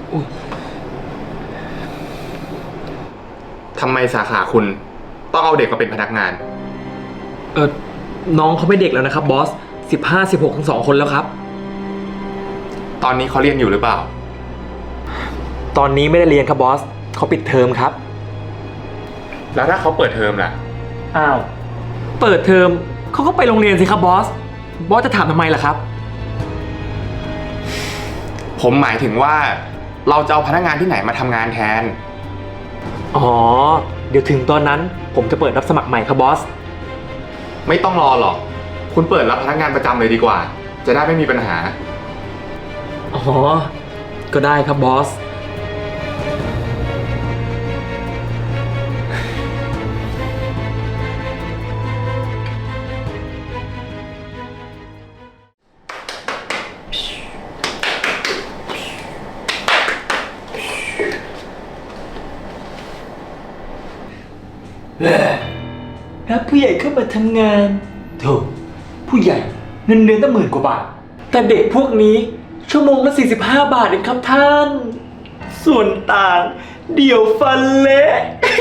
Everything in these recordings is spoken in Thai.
ทำไมสาขาคุณต้องเอาเด็กมาเป็นพนักงานน้องเขาไม่เด็กแล้วนะครับบอส15 16ทั้ง2 คนแล้วครับตอนนี้เขาเรียนอยู่หรือเปล่าตอนนี้ไม่ได้เรียนครับบอสเขาปิดเทอมครับแล้วถ้าเขาเปิดเทอมล่ะอ้าวเปิดเทอมเขาก็ไปโรงเรียนสิครับบอสจะถามทำไมล่ะครับผมหมายถึงว่าเราจะเอาพนักงานที่ไหนมาทำงานแทนอ๋อเดี๋ยวถึงตอนนั้นผมจะเปิดรับสมัครใหม่ครับบอสไม่ต้องรอหรอกคุณเปิดรับพนักงานประจำเลยดีกว่าจะได้ไม่มีปัญหาอ๋อก็ได้ครับบอสรับผู้ใหญ่เข้ามาทำงานโถผู้ใหญ่เงินเดือนตั้ง10,000 กว่าบาทแต่เด็กพวกนี้ชั่วโมงละ45 บาทเองครับท่านส่วนต่างเดี๋ยวฟันเละ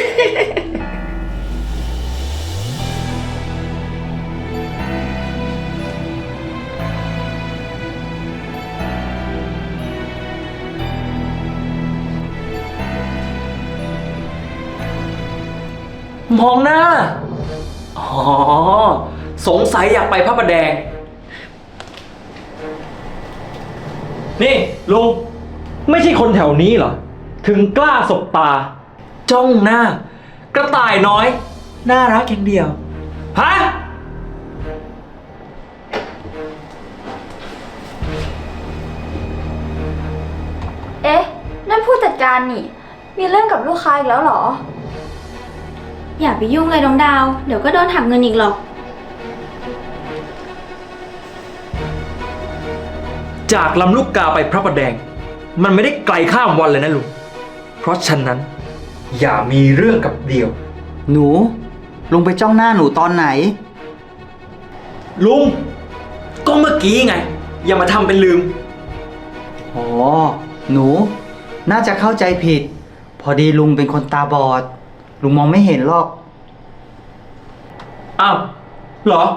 มองหน้าอ๋อสงสัยอยากไปพระประแดงนี่ลุงไม่ใช่คนแถวนี้เหรอถึงกล้าสบตาจ้องหน้ากระต่ายน้อยน่ารักอย่างเดียวฮะเอ๊ะนั่นผู้จัดการนี่มีเรื่องกับลูกค้าอีกแล้วเหรออย่าไปยุ่งเลยน้องดาวเดี๋ยวก็โดนหักเงินอีกหรอกจากลำลูกกาไปพระประแดงมันไม่ได้ไกลข้ามวันเลยนะลุงเพราะฉะนั้นอย่ามีเรื่องกับเดียวหนูลุงไปจ้องหน้าหนูตอนไหนลุงก็เมื่อกี้ไงอย่ามาทำเป็นลืมอ๋อหนูน่าจะเข้าใจผิดพอดีลุงเป็นคนตาบอดลุงมองไม่เห็นหรอกอ้าวเหรอ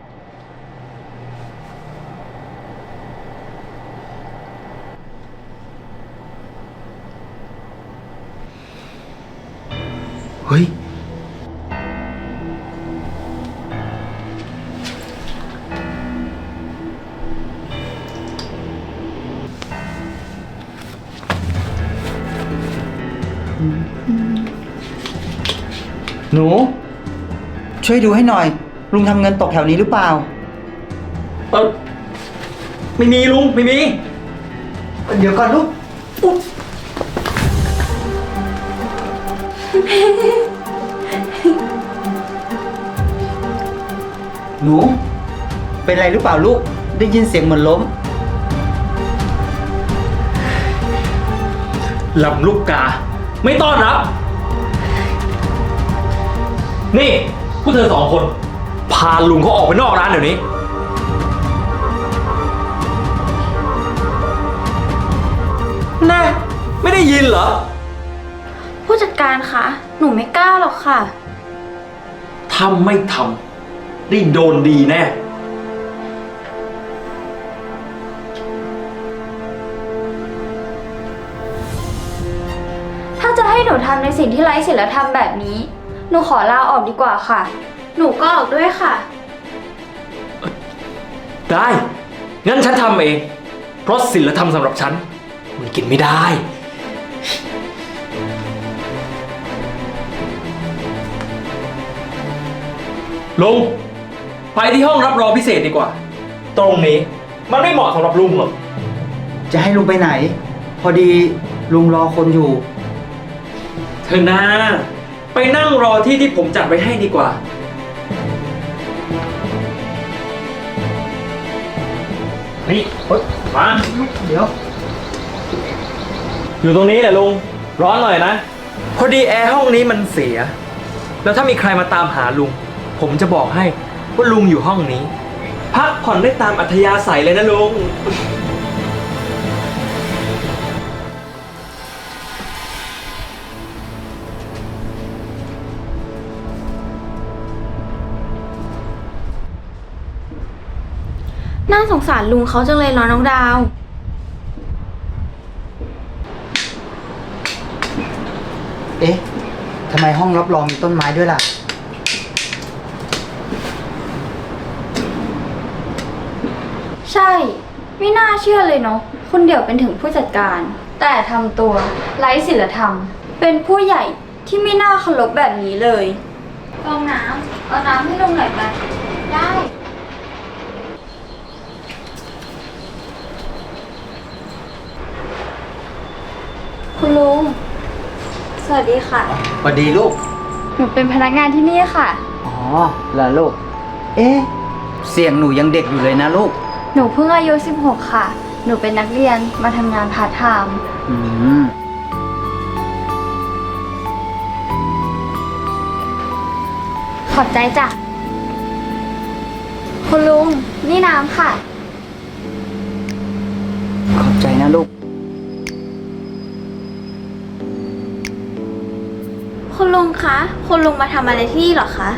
เฮ้ยหนูช่วยดูให้หน่อยลุงทำเงินตกแถวนี้หรือเปล่าไม่มีลุงไม่มีเดี๋ยวก่อนลูกหนูเป็นไรหรือเปล่าลูกได้ยินเสียงเหมือนล้มลำลูกกาไม่ต้อนรับนี่พวกเธอ2 คนพาลุงเขาออกไปนอกร้านเดี๋ยวนี้แน่ไม่ได้ยินเหรอผู้จัดการคะหนูไม่กล้าหรอกค่ะทำไม่ทำได้โดนดีแน่ถ้าจะให้หนูทำในสิ่งที่ไร้ศีลธรรมแบบนี้หนูขอลาออกดีกว่าค่ะหนูก็ออกด้วยค่ะได้งั้นฉันทำเองเพราะศีลธรรมสำหรับฉันมันกินไม่ได้ลุงไปที่ห้องรับรองพิเศษดีกว่าตรงนี้มันไม่เหมาะสำหรับลุงหรอกจะให้ลุงไปไหนพอดีลุงรอคนอยู่เธอนะไปนั่งรอที่ผมจัดไว้ให้ดีกว่านี่มาเดี๋ยวอยู่ตรงนี้แหละลุงร้อนหน่อยนะพอดีแอร์ห้องนี้มันเสียแล้วถ้ามีใครมาตามหาลุงผมจะบอกให้ว่าลุงอยู่ห้องนี้พักผ่อนได้ตามอัธยาศัยเลยนะลุงน่าสงสารลุงเขาจังเลยเนาะน้องดาวเอ๊ะทำไมห้องรับรองมีต้นไม้ด้วยล่ะใช่ ไม่น่าเชื่อเลยเนาะคุณเดี่ยวเป็นถึงผู้จัดการ แต่ทำตัวไร้ศีลธรรม เป็นผู้ใหญ่ที่ไม่น่าเคารพแบบนี้เลยฟองน้ำเอาน้ำให้ลุงหน่อยไปได้ คุณลุง สวัสดีค่ะสวัสดีลูกหนูเป็นพนักงานที่นี่ค่ะอ๋อเหรอลูก เอ๊ะ เสียงหนูยังเด็กอยู่เลยนะลูกหนูเพิ่งอายุ 16 ค่ะ หนูเป็นนักเรียนมาทำงานพาร์ทไทม์อืมขอบใจจ้ะ คุณลุง นี่น้ำค่ะขอบใจนะลูกคุณลุงคะ คุณลุงมาทำอะไรที่นี่เหรอคะ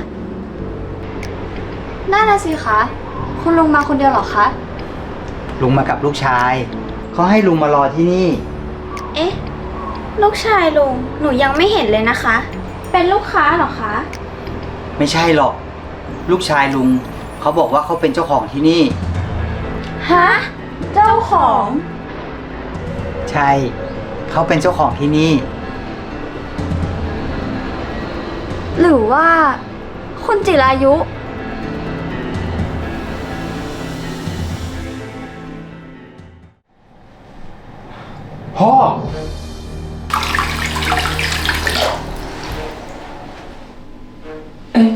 น่าน่ะสิคะ คุณลุงมาคนเดียวเหรอคะลุงมากับลูกชาย เขาให้ลุงมารอที่นี่เอ๊ะ ลูกชายลุง หนูยังไม่เห็นเลยนะคะ เป็นลูกค้าเหรอคะไม่ใช่หรอก ลูกชายลุง เขาบอกว่าเขาเป็นเจ้าของที่นี่ฮะ เจ้าของใช่ เขาเป็นเจ้าของที่นี่หรือว่า คุณจิรายุพ่อเอ๊ะ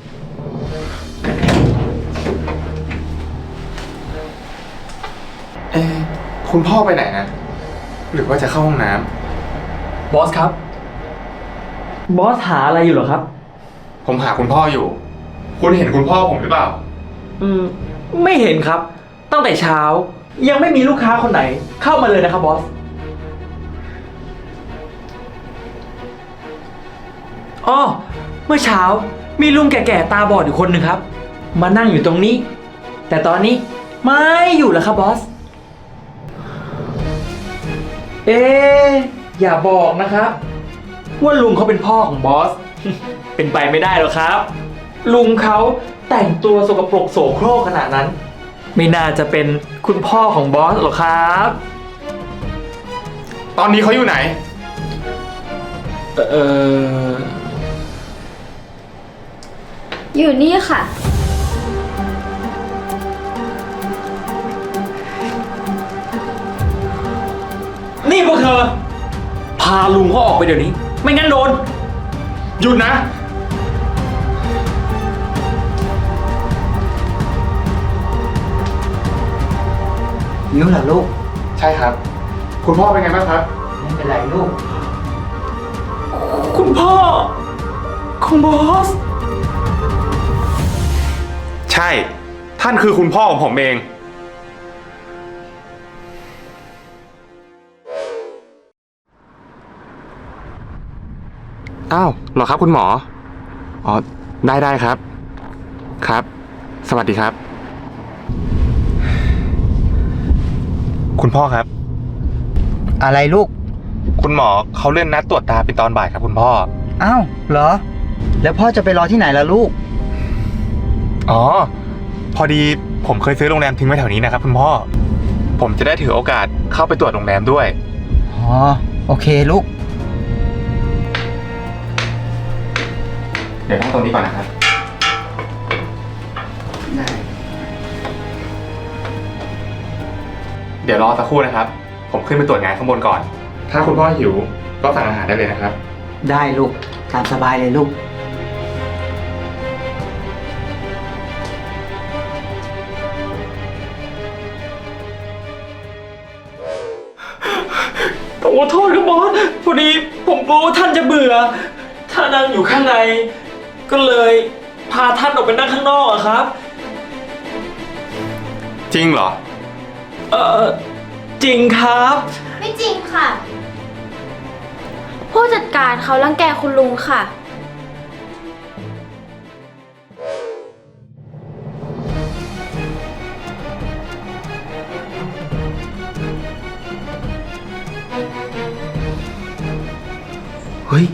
คุณพ่อไปไหนนะหรือว่าจะเข้าห้องน้บอสครับ บอสหาอะไรอยู่เหรอครับำผมหาคุณพ่ออยู่ คุณเห็นคุณพ่อผมหรือเปล่าไม่เห็นครับ ตั้งแต่เช้า ยังไม่มีลูกค้าคนไหน เข้ามาเลยนะครับบอสอ๋อเมื่อเช้ามีลุงแก่ๆตาบอดอยู่คนหนึ่งครับ มานั่งอยู่ตรงนี้ แต่ตอนนี้ไม่อยู่แล้วครับบอส เอ๊ะอย่าบอกนะครับ ว่าลุงเขาเป็นพ่อของบอส เป็นไปไม่ได้หรอกครับ ลุงเขาแต่งตัวสกปรกโสโครกขนาดนั้น ไม่น่าจะเป็นคุณพ่อของบอสหรอกครับตอนนี้เขาอยู่ไหนเอออยู่นี่ค่ะนี่พวกเธอ พาลุงเขาออกไปเดี๋ยวนี้ ไม่งั้นโดนหยุดนะนิ้วเหรอลูกใช่ครับ คุณพ่อเป็นไงบ้างครับไม่เป็นไรลูกคุณพ่อของบอสใช่ ท่านคือคุณพ่อของผมเอง อ้าวเหรอครับคุณหมอ อ๋อ ได้ครับ ครับ สวัสดีครับ คุณพ่อครับอะไรลูกคุณหมอเขาเลื่อนนัดตรวจตาเป็นตอนบ่ายครับคุณพ่ออ้าวเหรอ แล้วพ่อจะไปรอที่ไหนล่ะลูกอ๋อ พอดีผมเคยซื้อโรงแรมทิ้งไว้แถวนี้นะครับคุณพ่อ ผมจะได้ถือโอกาสเข้าไปตรวจโรงแรมด้วยอ๋อ โอเคลูกเดี๋ยวนั่งตรงนี้ก่อนนะครับ เดี๋ยวรอสักครู่นะครับ ผมขึ้นไปตรวจงานข้างบนก่อน ถ้าคุณพ่อหิวก็สั่งอาหารได้เลยนะครับได้ลูก ตามสบายเลยลูกผมขอโทษครับบอส พอดีผมกลัวว่าท่านจะเบื่อ ถ้านั่งอยู่ข้างใน ก็เลยพาท่านออกไปนั่งข้างนอกอะครับจริงเหรอจริงครับไม่จริงค่ะ ผู้จัดการเขารังแกคุณลุงค่ะเฮ้ย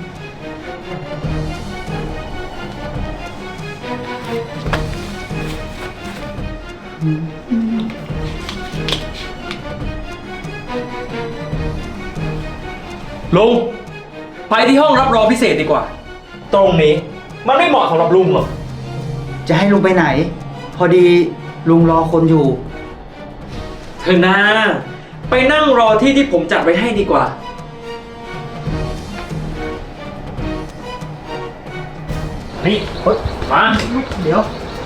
ลุง ไปที่ห้องรับรองพิเศษดีกว่า ตรงนี้มันไม่เหมาะสำหรับลุงหรอกจะให้ลุงไปไหน พอดีลุงรอคนอยู่เธอนะไปนั่งรอที่ที่ผมจัดไว้ให้ดีกว่า นี่เฮ้ยมาเดี๋ยว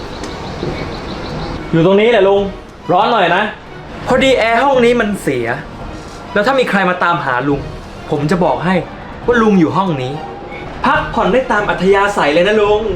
อยู่ตรงนี้แหละลุง ร้อนหน่อยนะ พอดีแอร์ห้องนี้มันเสีย แล้วถ้ามีใครมาตามหาลุง ผมจะบอกให้ว่าลุงอยู่ห้องนี้ พักผ่อนได้ตามอัธยาศัยเลยนะลุง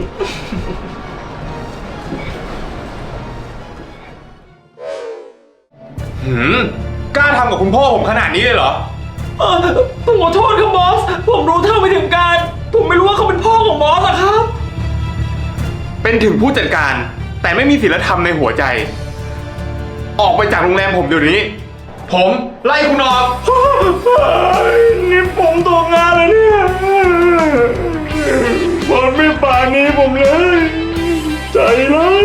กล้าทำกับคุณพ่อผมขนาดนี้เลยเหรอผมขอโทษครับบอส ผมรู้เท่าไม่ถึงการ ผมไม่รู้ว่าเขาเป็นพ่อของบอสอะครับเป็นถึงผู้จัดการ แต่ไม่มีศีลธรรมในหัวใจ ออกไปจากโรงแรมผมเดี๋ยวนี้ ผมไล่คุณออกนี่ผมตกงานแล้วเนี่ยบอสไม่ปานี้ผมเลย ใจร้าย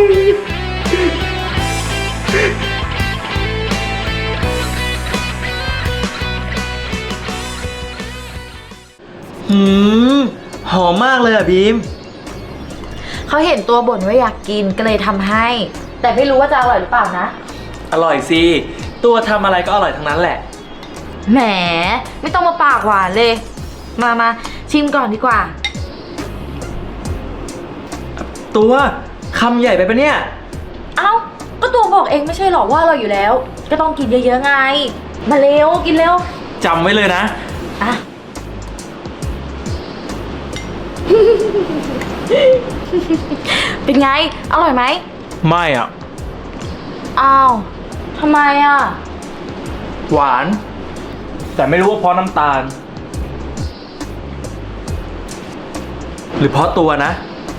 หอมมากเลยอะบีมเขาเห็นตัวบ่นว่าอยากกินก็เลยทำให้ แต่ไม่รู้ว่าจะอร่อยหรือเปล่านะอร่อยสิ ตัวทำอะไรก็อร่อยทั้งนั้นแหละแหมไม่ต้องมาปากหวานเลย มาชิมก่อนดีกว่าตัวคำใหญ่ไปปะเนี่ยเอ้าก็ตัวบอกเองไม่ใช่หรอกว่าเราอยู่แล้ว ก็ต้องกินเยอะๆไง มาเร็วกินเร็วจำไว้เลยนะอ่ะ เป็นไง อร่อยไหมไม่อ่ะอ้าวทำไมอ่ะหวาน แต่ไม่รู้ว่าเพราะน้ำตาล หรือเพราะตัวนะ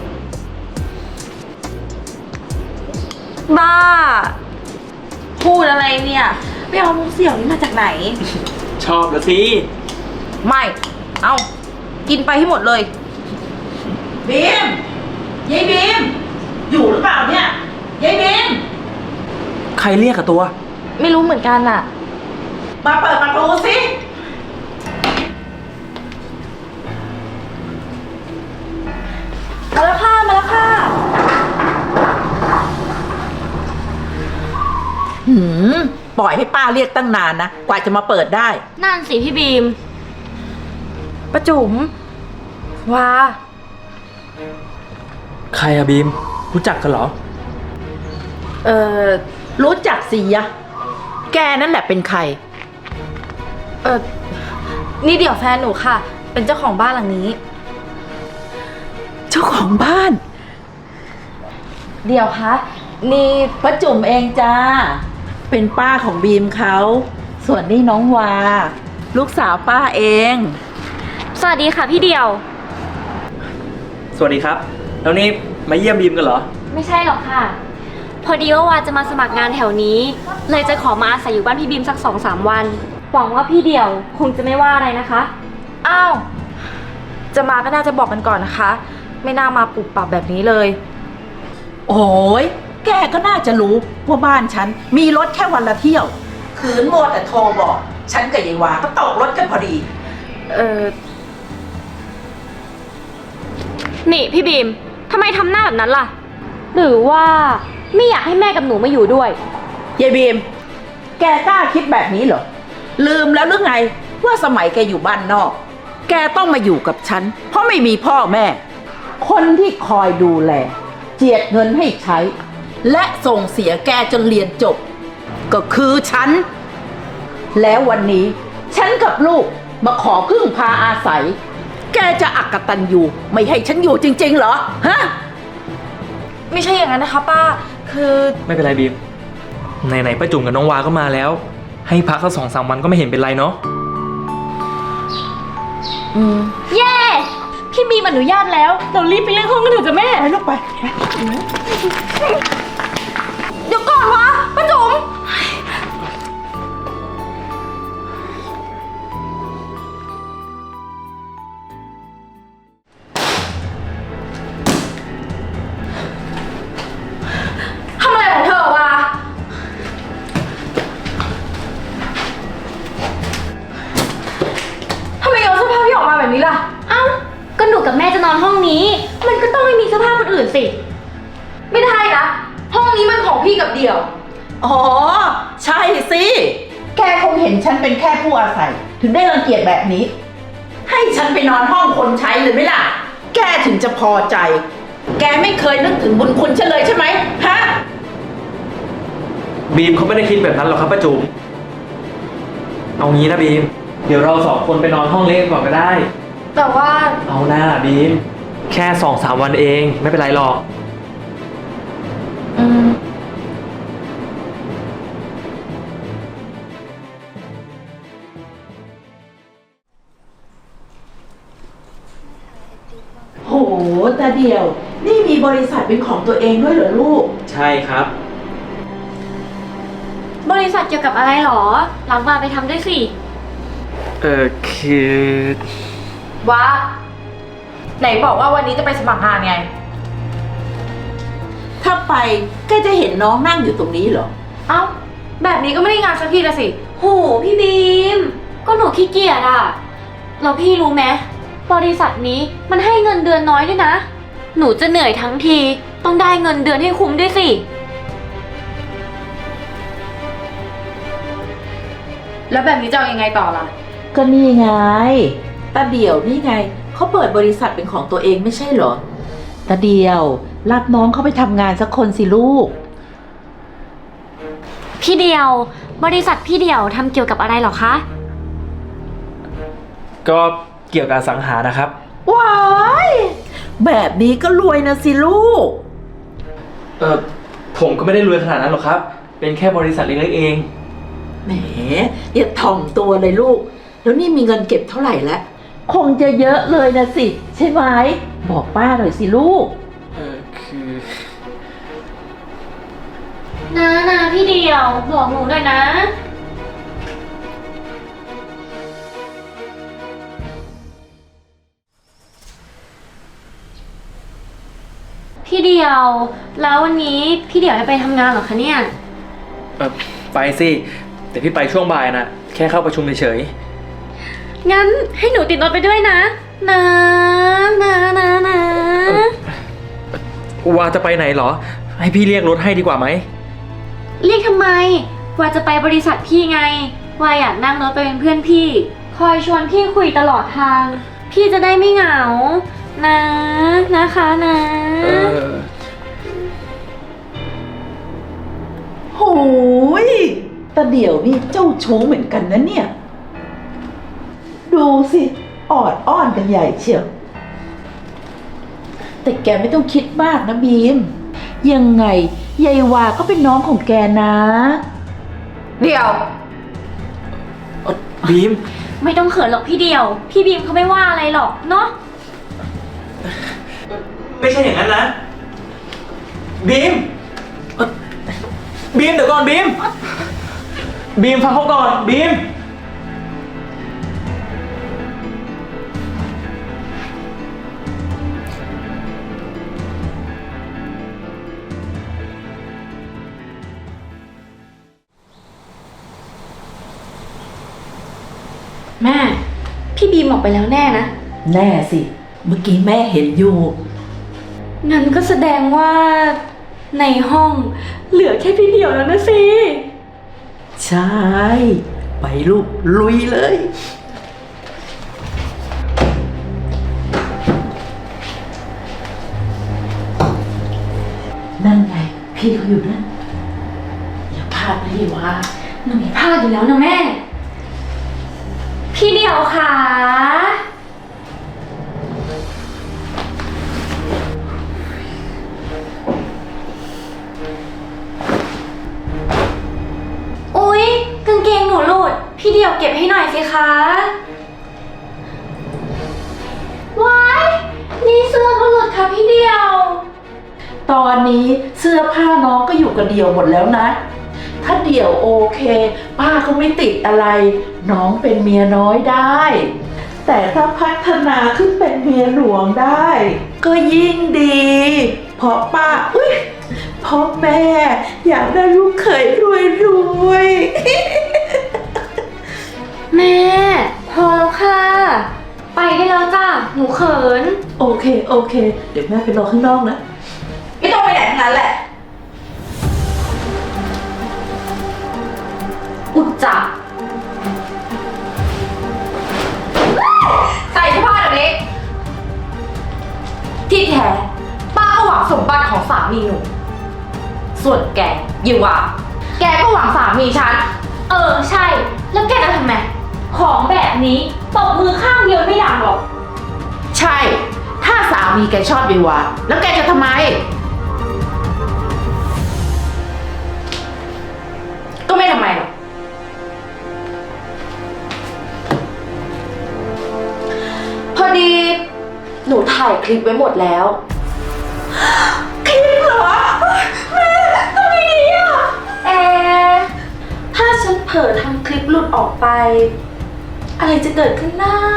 บ้า พูดอะไรเนี่ยไปเอามุกเสี่ยวนี้มาจากไหนชอบละสิไม่ เอากินไปให้หมดเลยบีมยายบีม อยู่หรือเปล่าเนี่ยยายบีมใครเรียกอะตัวไม่รู้เหมือนกันอ่ะมาเปิดประตูสิมาแล้วค่ะ มาแล้วค่ะปล่อยให้ป้าเรียกตั้งนานนะ กว่าจะมาเปิดได้นั่นสิพี่บีมประจุมว้าใครอะบีม รู้จักกันเหรอรู้จักสิยะ แกนั่นแหละเป็นใครนี่เดี๋ยวแฟนหนูค่ะ เป็นเจ้าของบ้านหลังนี้เจ้าของบ้านเดี๋ยวคะ นี่ป้าจุ๋มเองจ้า เป็นป้าของบีมเขา ส่วนนี่น้องวา ลูกสาวป้าเองสวัสดีค่ะพี่เดียวสวัสดีครับ แล้วนี่มาเยี่ยมบีมกันเหรอไม่ใช่หรอกค่ะ พอดีว่าวาจะมาสมัครงานแถวนี้ เลยจะขอมาอาศัยอยู่บ้านพี่บีมสัก 2-3 วัน หวังว่าพี่เดียวคงจะไม่ว่าอะไรนะคะอ้าว จะมาก็น่าจะบอกกันก่อนนะคะ ไม่น่ามาปรับปรับแบบนี้เลยโอ้ยแกก็น่าจะรู้ว่าบ้านฉัน มีรถแค่วันละเที่ยว คืนโมวแต่โทรบอก ฉันกับยายวาก็ตกรถกันพอดีนี่พี่บีมทำไมทำหน้าแบบนั้นล่ะ หรือว่าไม่อยากให้แม่กับหนูมาอยู่ด้วยยายบีม แกกล้าคิดแบบนี้เหรอ ลืมแล้วหรือไงว่าสมัยแกอยู่บ้านนอก แกต้องมาอยู่กับฉัน เพราะไม่มีพ่อแม่ คนที่คอยดูแล เจียดเงินให้ใช้ และส่งเสียแกจนเรียนจบ ก็คือฉัน แล้ววันนี้ฉันกับลูกมาขอพึ่งพาอาศัย แกจะอักตันอยู่ไม่ให้ฉันอยู่จริงๆเหรอ ฮะไม่ใช่อย่างนั้นนะคะป้า คือไม่เป็นไรบีม ไหนๆป้าจุ๋มกับน้องวาก็มาแล้ว ให้พักสัก2-3 วันก็ไม่เห็นเป็นไรเนาะเย้ พี่บีมอนุญาตแล้ว เรารีบไปเรื่องห้องกันเถอะจ้ะแม่ไปลูกไปเดี๋ยวก่อนวะป้าจุ๋มพกับเดี่ยวอ๋อ ใช่สิ แกคงเห็นฉันเป็นแค่ผู้อาศัย ถึงได้รังเกียจแบบนี้ ให้ฉันไปนอนห้องคนใช้เลยไหมล่ะ แกถึงจะพอใจ แกไม่เคยนึกถึงบุญคุณฉันเลยใช่ไหมฮะบีมเขาไม่ได้คิดแบบนั้นหรอกครับป้าจุ๋มเอางี้นะบีม เดี๋ยวเราสองคนไปนอนห้องเล็กก่อนก็ได้แต่ว่าเอาหน้าบีม แค่2-3 วันเองไม่เป็นไรหรอกอืมโหตาเดียว นี่มีบริษัทเป็นของตัวเองด้วยเหรอลูกใช่ครับบริษัทเกี่ยวกับอะไรหรอหลังมาไปทำด้วยสิคือว่า ไหนบอกว่าวันนี้จะไปสมัครงานไงถ้าไปก็จะเห็นน้องนั่งอยู่ตรงนี้เหรอเอ้า แบบนี้ก็ไม่ได้งานสักทีละสิโหพี่บีม ก็หนูขี้เกียจอะแล้วพี่รู้ไหมบริษัทนี้มันให้เงินเดือนน้อยด้วยนะ หนูจะเหนื่อยทั้งทีต้องได้เงินเดือนให้คุ้มด้วยสิแล้วแบบนี้จะเอายังไงต่อล่ะก็นี่ไงตาเดียวนี่ไงเขาเปิดบริษัทเป็นของตัวเองไม่ใช่เหรอตาเดียวรับน้องเขาไปทำงานสักคนสิลูกพี่เดียวบริษัทพี่เดียวทำเกี่ยวกับอะไรหรอคะก็เกี่ยวกับอสังหานะครับว้ายแบบนี้ก็รวยนะสิลูกผมก็ไม่ได้รวยขนาดนั้นหรอกครับ เป็นแค่บริษัทเล็กๆเองแหมอย่าถ่อมตัวเลยลูก แล้วนี่มีเงินเก็บเท่าไหร่แล้ว คงจะเยอะเลยนะสิ ใช่ไหม บอกป้าหน่อยสิลูกคือนะพี่เดียวบอกหนูหน่อยนะ พี่เดียว แล้ววันนี้พี่เดียวจะไปทำงานเหรอคะเนี่ยไปสิ แต่พี่ไปช่วงบ่ายนะแค่เข้าประชุมเฉยงั้นให้หนูติดรถไปด้วยนะนะว่าจะไปไหนเหรอ ให้พี่เรียกรถให้ดีกว่าไหมเรียกทำไมว่าจะไปบริษัทพี่ไงว่าอยากนั่งรถไปเป็นเพื่อนพี่ คอยชวนพี่คุยตลอดทาง พี่จะได้ไม่เหงานะคะนะโหยตาเดี่ยวนี่เจ้าชู้เหมือนกันนะเนี่ย ดูสิออดอ้อนกันใหญ่เชียว แต่แกไม่ต้องคิดมากนะบีม ยังไงยายวาก็เป็นน้องของแกนะเดี๋ยวบีมไม่ต้องเขินหรอกพี่เดียว พี่บีมเขาไม่ว่าอะไรหรอกเนาะไม่ใช่อย่างนั้นนะ บีมบีมเดี๋ยวก่อนบีม บีมฟังเขาก่อนบีมแม่ พี่บีมออกไปแล้วแน่นะแน่สิ เมื่อกี้แม่เห็นอยู่งั้นก็แสดงว่าในห้องเหลือแค่พี่เดียวแล้วนะสิใช่ ไปลูกลุยเลย นั่นไง พี่เขาอยู่นั่นอย่าพลาดนะยี่ว่าหนูไม่พลาดอยู่แล้วนะแม่ พี่เดียวค่ะ อุ๊ยกางเกงหนูหลุด พี่เดียวเก็บให้หน่อยสิคะว้ายนี่เสื้อก็หลุดค่ะพี่เดียวตอนนี้เสื้อผ้าน้องก็อยู่กับเดี่ยวหมดแล้วนะ ถ้าเดี่ยวโอเค ป้าก็ไม่ติดอะไร น้องเป็นเมียน้อยได้ แต่ถ้าพัฒนาขึ้นเป็นเมียหลวงได้ ก็ยิ่งดี เพราะป้าเพราะแม่อยากได้ลูกเขยรวยแม่ พอแล้วค่ะ ไปได้แล้วจ้ะ หนูเขินโอเค เดี๋ยวแม่ไปรอข้างนอกนะไม่ต้องไปไหนทั้งนั้นแหละส่วนแกอย่าว่าแกก็หวังสามีฉัน ใช่ แล้วแกจะทำไม ของแบบนี้ตบมือข้างเดียวไม่ดังหรอกใช่ ถ้าสามีแกชอบวิวาแล้วแกจะทำไมก็ไม่ทำไมหรอก พอดี หนูถ่ายคลิปไว้หมดแล้ว คลิปเหรอ แม่ทำไมดีอ่ะถ้าฉันเผลอทำคลิปหลุดออกไป อะไรจะเกิดขึ้นหน้า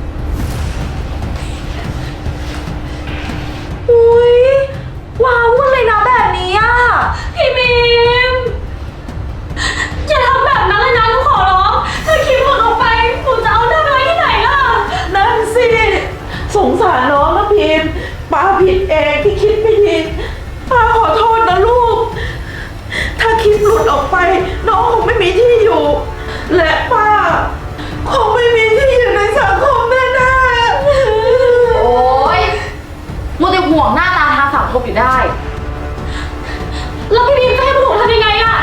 อุ้ยว้าววุ่นเลยนะแบบนี้อ่ะ พี่บีม อย่าทำแบบนั้นเลยนะหนูขอร้องถ้าคลิปหลุดออกไปหนูจะเอาหน้าไว้ที่ไหนล่ะนั่นสิ สงสารน้องนะพิมพ์ป้าผิดเองที่คิดไม่ดีป้าขอโทษนะลูก ถ้าคลิปหลุดออกไปน้องคงไม่มีที่อยู่ และป้าคงไม่มีที่อยู่ในสังคมแน่ๆโอ๊ยมัวแต่ห่วงหน้าตาทางสังคมอยู่ได้ แล้วพี่บีมจะให้พวกหนูทำยังไงล่ะ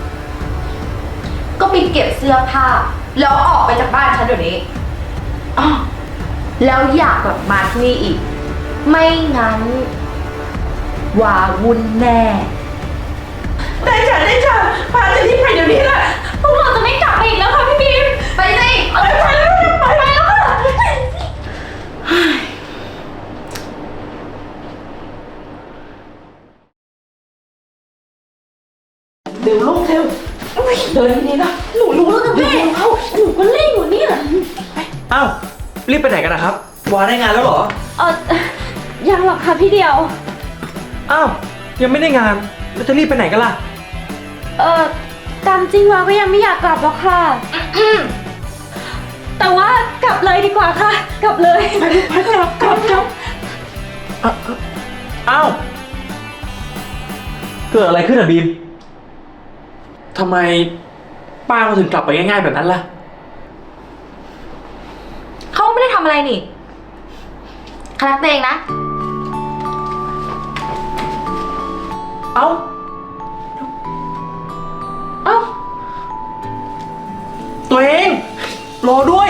ก็ไปเก็บเสื้อผ้า แล้วออกไปจากบ้านฉันเดี๋ยวนี้อ้อแล้วอยากกลับมาที่นี่อีก ไม่งั้นวาวุ่นแน่ได้จ้ะป้าจะรีบไปเดี๋ยวนี้แหละพวกเราจะไม่กลับมาอีกแล้วค่ะพี่บีม ไปสิไปแล้วค่ะเดี๋ยวลูกเร็วเดินดีๆนะหนูรู้แล้วนะแม่หนูก็เล่นอยู่นี่แหละอ้าว รีบไปไหนกันนะครับ วาได้งานแล้วเหรอยังหรอกค่ะพี่เดียวอ้าว ยังไม่ได้งาน แล้วจะรีบไปไหนกันล่ะตามจริงวาก็ยังไม่อยากกลับหรอกค่ะแต่ว่ากลับเลยดีกว่าค่ะ กลับเลยไปกลับอ้าว เกิดอะไรขึ้นอะบีม ทำไมป้าเขาถึงกลับไปง่ายๆแบบนั้นล่ะเขาไม่ได้ทำอะไรนี่คาแรคเตอร์เองนะเอ้าเอ้าตัวเอง รอด้วย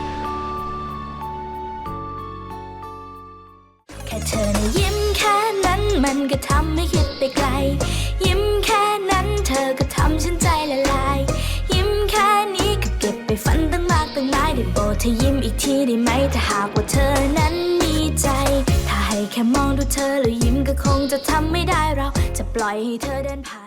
แค่เธอนะยิ้มแค่นั้นมันก็ทำให้คิดไปไกล ยิ้มแค่นั้นเธอก็ทำฉันใจละลาย ยิ้มแค่นี้ก็เก็บไปฝันตั้งมากตั้งหลายได้โปรดเธอยิ้มอีกทีได้ไหมถ้าหากว่าเธอนั้นมีใจ ถ้าให้แค่มองดูเธอแล้วยิ้มก็คงจะทำไม่ได้เราจะปล่อยให้เธอเดินผ่าน